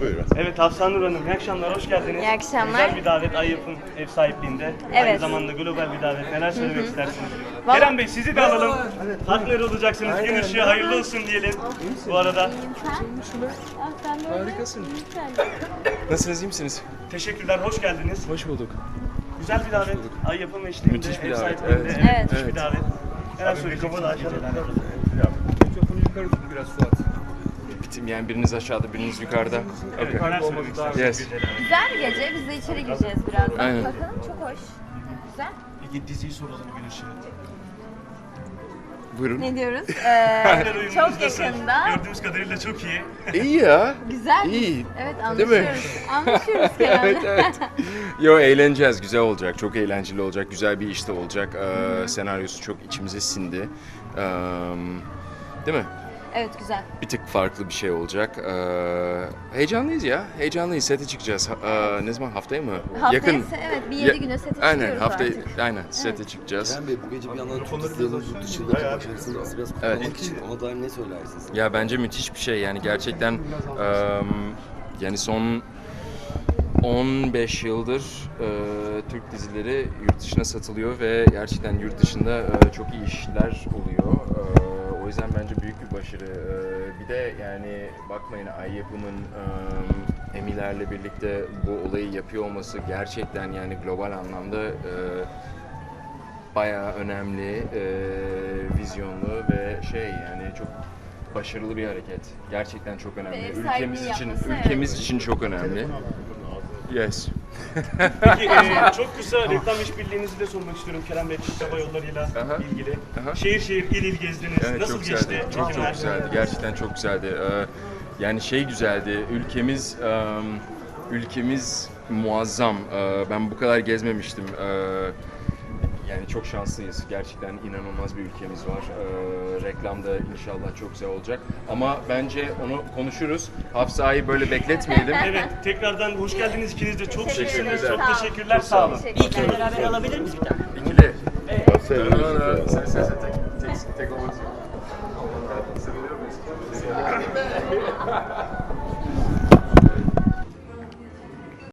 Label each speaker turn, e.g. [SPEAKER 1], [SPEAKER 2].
[SPEAKER 1] Buyurun.
[SPEAKER 2] Evet Hafsa Nur Hanım, iyi akşamlar, hoş geldiniz.
[SPEAKER 3] İyi akşamlar.
[SPEAKER 2] Güzel bir davet, Ayyap'ın ev sahipliğinde. Aynı
[SPEAKER 3] Evet.
[SPEAKER 2] zamanda global bir davet. Neler söylemek istersiniz?
[SPEAKER 3] Vallahi-
[SPEAKER 2] Kerem Bey, sizi de alalım. Partner olacaksınız. Gün ışığı hayırlı olsun diyelim. Bu arada.
[SPEAKER 4] Harikasın. Nasılsınız, iyi misiniz?
[SPEAKER 2] Teşekkürler, hoş geldiniz.
[SPEAKER 4] Hoş bulduk.
[SPEAKER 2] Güzel bir davet. Ayyap'ın eşliğinde,
[SPEAKER 4] Müthiş bir
[SPEAKER 2] ev
[SPEAKER 4] davet,
[SPEAKER 2] sahipliğinde.
[SPEAKER 4] evet.
[SPEAKER 3] Evet.
[SPEAKER 2] Müthiş bir davet. Neler söyleyeceksiniz?
[SPEAKER 4] Mikrofonu yukarı tut biraz Suat. Bitim yani biriniz aşağıda, biriniz yukarıda.
[SPEAKER 2] Evet, neler söylemek istersiniz?
[SPEAKER 4] Yes.
[SPEAKER 3] Güzel bir gece. Biz de içeri gireceğiz birazdan.
[SPEAKER 4] Aynen.
[SPEAKER 3] Bakalım çok hoş. Güzel.
[SPEAKER 2] Peki diziyi soralım Gün ışığı.
[SPEAKER 4] Buyurun.
[SPEAKER 3] Ne diyoruz?
[SPEAKER 2] Partner uyumunuz
[SPEAKER 3] Çok
[SPEAKER 2] nasıl?
[SPEAKER 3] yakında.
[SPEAKER 2] Gördüğümüz kadarıyla çok iyi.
[SPEAKER 4] İyi ya.
[SPEAKER 3] Güzel.
[SPEAKER 4] İyi.
[SPEAKER 3] Evet
[SPEAKER 4] Değil mi?
[SPEAKER 3] anlaşıyoruz. Anlaşıyoruz Kerem'le.
[SPEAKER 4] Evet, evet. Yo eğleneceğiz, güzel olacak, çok eğlenceli olacak, güzel bir işte olacak. Senaryosu çok içimize sindi. Değil mi?
[SPEAKER 3] Evet güzel.
[SPEAKER 4] Bir tık farklı bir şey olacak. Heyecanlıyız ya, heyecanlıyız. Sete çıkacağız. Ne zaman? Haftaya mı?
[SPEAKER 3] Haftaya evet bir 7 güne sete
[SPEAKER 4] Aynen,
[SPEAKER 3] çıkıyoruz
[SPEAKER 4] haftaya,
[SPEAKER 3] artık.
[SPEAKER 4] aynen sete çıkacağız.
[SPEAKER 5] Kerem Bey, bu gece bir yandan turistlerin yurt dışındaki başarısını aslında biraz kutlamak için ona dair ne söylersiniz?
[SPEAKER 4] Ya bence müthiş bir şey yani gerçekten yani son 15 yıldır Türk dizileri yurt dışına satılıyor ve gerçekten yurt dışında çok iyi işler oluyor. O yüzden bence büyük bir başarı. Bir de yani bakmayın Ayyap'ımın Emiler'le birlikte bu olayı yapıyor olması gerçekten yani global anlamda bayağı önemli, vizyonlu ve yani çok başarılı bir hareket. Gerçekten çok önemli.
[SPEAKER 3] Ve ev
[SPEAKER 4] Ülkemiz
[SPEAKER 3] sahipliği
[SPEAKER 4] için
[SPEAKER 3] yapması,
[SPEAKER 4] ülkemiz için çok önemli. Yes.
[SPEAKER 2] Peki çok kısa reklam işbirliğinizi de sormak istiyorum Kerem Bey, Türk Hava Yolları'yla
[SPEAKER 4] Aha.
[SPEAKER 2] ilgili.
[SPEAKER 4] Aha.
[SPEAKER 2] Şehir şehir, il il gezdiniz.
[SPEAKER 4] Evet,
[SPEAKER 2] Nasıl
[SPEAKER 4] çok
[SPEAKER 2] geçti?
[SPEAKER 4] güzeldi. Çok
[SPEAKER 2] çekimler?
[SPEAKER 4] güzeldi. Gerçekten çok güzeldi. Yani güzeldi. Ülkemiz muazzam. Ben bu kadar gezmemiştim. Yani çok şanslıyız. Gerçekten inanılmaz bir ülkemiz var. Reklamda inşallah çok güzel olacak. Ama bence onu konuşuruz. Hafsa'yı böyle bekletmeyelim.
[SPEAKER 2] Evet, tekrardan hoş geldiniz ikiniz de. Çok
[SPEAKER 3] Teşekkür
[SPEAKER 2] şıksınız.
[SPEAKER 3] ederim.
[SPEAKER 2] Çok
[SPEAKER 3] Sağ olun.
[SPEAKER 2] teşekkürler. Sağ olun.
[SPEAKER 3] Teşekkürler.
[SPEAKER 2] Beraber alabilir miyiz bir tane?
[SPEAKER 4] İkili.
[SPEAKER 1] Sen
[SPEAKER 4] Tek olmak üzere. Seviyor muyuz?